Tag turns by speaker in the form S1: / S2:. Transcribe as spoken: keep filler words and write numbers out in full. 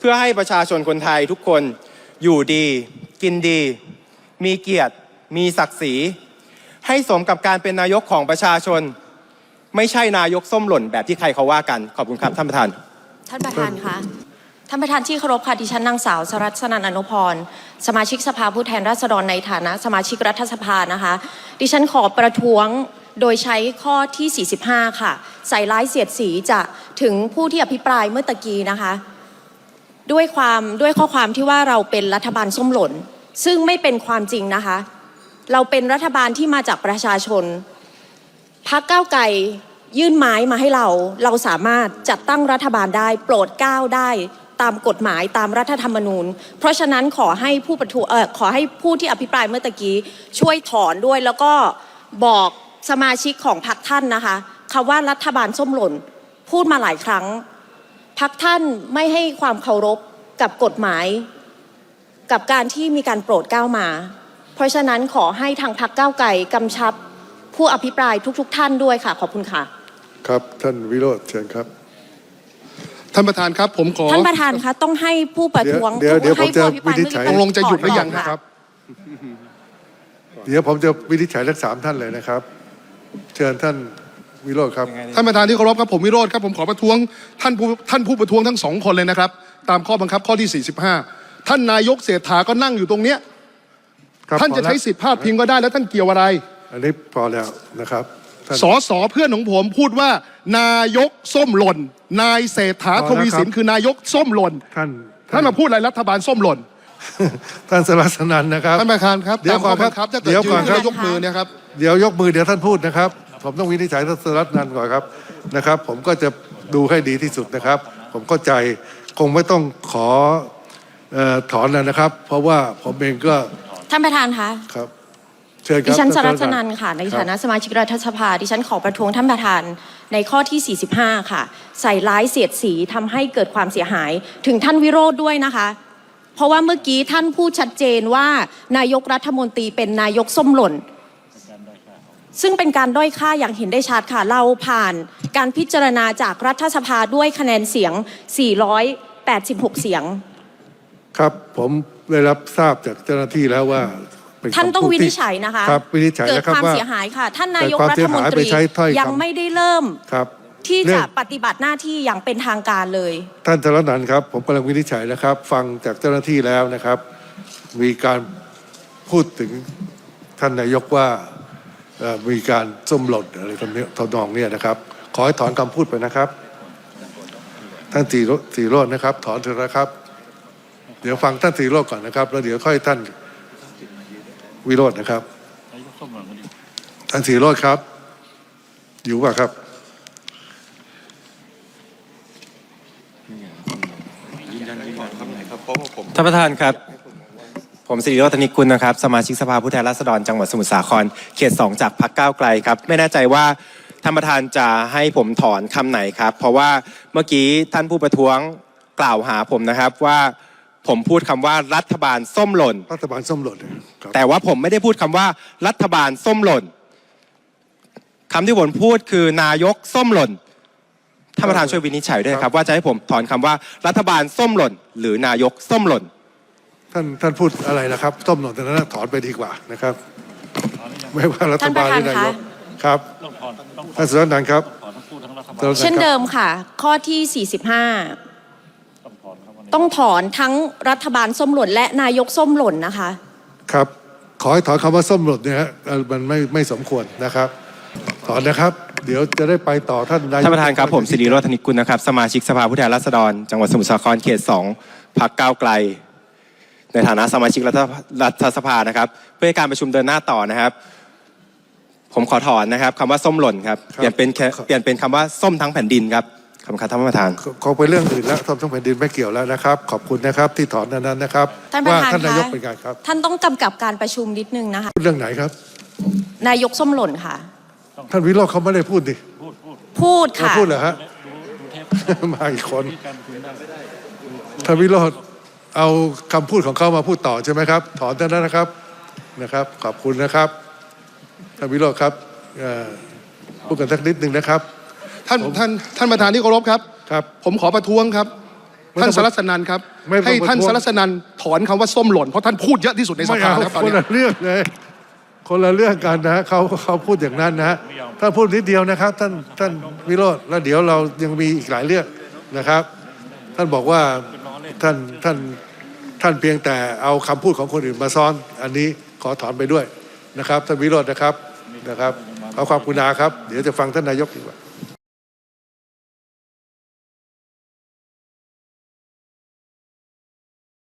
S1: พื่อให้ประชาชนคนไทยทุกคนอยู่ดีกินดีมีเกียรติมีศักดิ์ศรีให้สมกับการเป็นนายกของประชาชนไม่ใช่นายกส้มหล่นแบบที่ใครเขาว่ากันขอบคุณครับท่านประธาน
S2: ท่านประธานคะท่านประธานที่เคารพค่ะดิฉันนางสาวสรัชนันท์อนุพรสมาชิกสภาผู้แทนราษฎรในฐานะสมาชิกรัฐสภานะคะดิฉันขอประท้วงโดยใช้ข้อที่ สี่สิบห้า ค่ะใส่ร้ายเสียดสีจะถึงผู้ที่อภิปรายเมื่อตะกี้นะคะด้วยความด้วยข้อความที่ว่าเราเป็นรัฐบาลส้มหล่นซึ่งไม่เป็นความจริงนะคะเราเป็นรัฐบาลที่มาจากประชาชนพรรคก้าวไกลยื่นไม้มาให้เราเราสามารถจัดตั้งรัฐบาลได้โปรดเกล้าได้ตามกฎหมายตามรัฐธรรมนูญเพราะฉะนั้นขอให้ผู้ประท้วงเอ่อขอให้ผู้ที่อภิปรายเมื่อตะกี้ช่วยถอนด้วยแล้วก็บอกสมาชิกของพรรคท่านนะคะคำว่ารัฐบาลส้มหล่นพูดมาหลายครั้งพรรคท่านไม่ให้ความเคารพกับกฎหมายกับการที่มีการโปรดเกล้ามาเพราะฉะนั้นขอให้ทางพรรคก้าวไกลกำชับผู้อภิปรายทุกๆท่านด้วยค่ะขอบคุณค่ะ
S3: ครับท่านวิโรจน์เชิญครับ
S4: ท่านประธานครับผมขอ
S2: ท่านประธานคะต้องให้ผู้ประท้วง
S3: เดี๋ยวเดี๋ยวผมจะวินิจฉัย
S4: ตกลงจะหยุดหรือยังนะครับ
S3: เดี๋ยวผมจะวินิจฉัยทั้งสามท่านเลยนะครับเชิญท่านวิโรจน์ครับ
S4: ท่านประธานที่เคารพครับผมวิโรจน์ครับผมขอประท้วงท่านผู้ท่านผู้ประท้วงทั้งสองคนเลยนะครับตามข้อบังคับข้อที่สี่สิบห้าท่านนายกเศรษฐาก็นั่งอยู่ตรงเนี้ยท่านจะใช้สิทธิพาดพิงก็ได้แล้วท่านเกี่ยวอะไร
S3: อันนี้พอแล้วนะครับ
S4: สอสอเพื่อนของผมพูดว่านายกส้มหล่นนายเศรษฐาทวีสินคือนายกส้มหล่น
S3: ท่าน
S4: ท่านมาพูดอะไรรัฐบาลส้มหล่น
S3: ท่านสรัชนันท์นะครับ
S4: ท่านประธานครับ
S3: เดี๋ยวก่อนครับ
S4: เดี๋ยวก่อนครับยกมือเนี่ยครับ
S3: เดี๋ยวยกมือเดี๋ยวท่านพูดนะครับผมต้องวินิจฉัยท่านสรัชนันท์ก่อนครับนะครับผมก็จะดูให้ดีที่สุดนะครับผมเข้าใจคงไม่ต้องขอถอนแล้วนะครับเพราะว่าผมเองก็
S2: ท่านประธานคะ
S3: ครับ
S2: ดิฉันสรัชนันท์ค่ะในฐานะสมาชิกรัฐสภาดิฉันขอประท้วงท่านประธานในข้อที่ สี่สิบห้า ค่ะใส่ร้ายเสียดสีทำให้เกิดความเสียหายถึงท่านวิโรจน์ด้วยนะคะเพราะว่าเมื่อกี้ท่านพูดชัดเจนว่านายกรัฐมนตรีเป็นนายกส้มหล่นซึ่งเป็นการด้อยค่าอย่างเห็นได้ชัดค่ะเราผ่านการพิจารณาจากรัฐสภาด้วยคะแนนเสียงสี่ร้อยแปดสิบหกเสียง
S3: ครับผมได้รับทราบจากเจ้าหน้าที่แล้วว่า
S2: ท่านต้องวินิจฉัยนะคะ
S3: ครับวินิจฉัย
S2: เกิดความเสียหายค่ะท่านนายกรัฐมนตรียังไม่ได้เริ่มที่จะปฏิบัติหน้าที่อย่างเป็นทางการเลย
S3: ท่านสรัชนันท์ครับผมกำลังวินิจฉัยนะครับฟังจากเจ้าหน้าที่แล้วนะครับมีการพูดถึงท่านนายกว่ามีการส้มหล่นอะไรทำนี้ทำนองนี้นะครับขอให้ถอนคำพูดไปนะครับท่านสีสีโรจน์นะครับถอนเถอะนะครับเดี๋ยวฟังท่านสีโรจน์ก่อนนะครับแล้วเดี๋ยวค่อยท่านวิโรจน์นะครับท่านสีโรจน์ครับอยู่ป่ะครับ
S1: ท่านประธานครับผมสิริโรจน์ ธนิกุลนะครับสมาชิกสภาผู้แทนราษฎรจังหวัดสมุทรสาครเขตสองจากพรรคก้าวไกลครับไม่แน่ใจว่าท่านประธานจะให้ผมถอนคำไหนครับเพราะว่าเมื่อกี้ท่านผู้ประท้วงกล่าวหาผมนะครับว่าผมพูดคำว่ารัฐบาลส้มหล่น
S3: รัฐบาลส้มหล่น
S1: แต่ว่าผมไม่ได้พูดคำว่ารัฐบาลส้มหล่นคำที่ผมพูดคือนายกส้มหล่นท่านประธานช่วยวินิจฉัยด้วยครับว่าจะให้ผมถอนคำว่ารัฐบาลส้มหล่นหรือนายกส้มหล่น
S3: ท่านท่านพูดอะไรนะครับส้มหล่นแต่นั้นถอนไปดีกว่านะครับไม่ว่ารัฐบาลหรือนายกครับท่านสรัชนันท์ครับ
S2: เช่นเดิมค่ะข้อที่ สี่สิบห้าต้องถอนทั้งรัฐบาลส้มหล่นและนายกส้มหล่นนะคะ
S3: ครับขอให้ถอนคำว่าส้มหล่นเนี่ยมันไม่ไม่สมควรนะครับถอนนะครับเดี๋ยวจะได้ไปต่อท่านนายก
S1: ท่านประธานครับผมสิริโรจน์ ธนิกุลนะครับสมาชิกสภาผู้แทนราษฎรจังหวัดสมุทรสาครเขตสองพรรคก้าวไกลในฐานะสมาชิกรัฐสภานะครับเพื่อการประชุมเดินหน้าต่อนะครับผมขอถอนนะครับคำว่าส้มหล่นครับเปลี่ยนเป็นเปลี่ยนเป็นคำว่าส้มทั้งแผ่นดินครับขอบคุณครับท่านประธาน
S3: ขอไปเรื่องอื่นแล้วส้มทั้งแผ่นดินไม่เกี่ยวแล้วนะครับขอบคุณนะครับที่ถอนนั้นนะครับ
S2: ว่าท่
S3: านนายกเป็นไงครับ
S2: ท่านต้องกำกับการประชุมนิดนึงนะคะ
S3: พูดเรื่องไหนครับ
S2: นายกส้มหล่นค่ะ
S3: ท่านวิโรจน์เขาไม่ได้พูดดิ
S2: พูดค่ะ
S3: พูดเหรอฮะมาอีกคนท่านวิโรจน์เอาคำพูดของเขามาพูดต่อใช่ไหมครับถอนท่านนั้นนะครับนะครับขอบคุณนะครับท่านวิโรจน์ครับพูดกันสักนิดหนึ่งนะครับ
S4: ท่านท่านท่านประธานที่เคารพครับ
S3: ครับ
S4: ผมขอประท้วงครับท่านสรัสนันครับ
S3: ไม่ต้อง
S4: ให้ท่าน
S3: ประท้วง
S4: สรัสนันถอนคำว่าส้มหล่นเพราะท่านพูดเยอะที่สุดในส
S3: ไม่
S4: ภา
S3: เอา
S4: แล้วตอน
S3: คน
S4: นี้
S3: ละเรื่องเลย คนละเรื่องกันนะเขาเขาพูดอย่างนั้นนะท่านพูดนิดเดียวนะครับ ท่านท่านวิโรจน์แล้วเดี๋ยวเรายังมีอีกหลายเรื่องนะครับ ท่านบอกว่าท่านท่านท่านเพียงแต่เอาคำพูดของคนอื่นมาซ้อน อันนี้ขอถอนไปด้วยนะครับท่านวิโรจน์นะครับนะครับขอความกรุณาครับเดี๋ยวจะฟังท่านนายกดีกว่า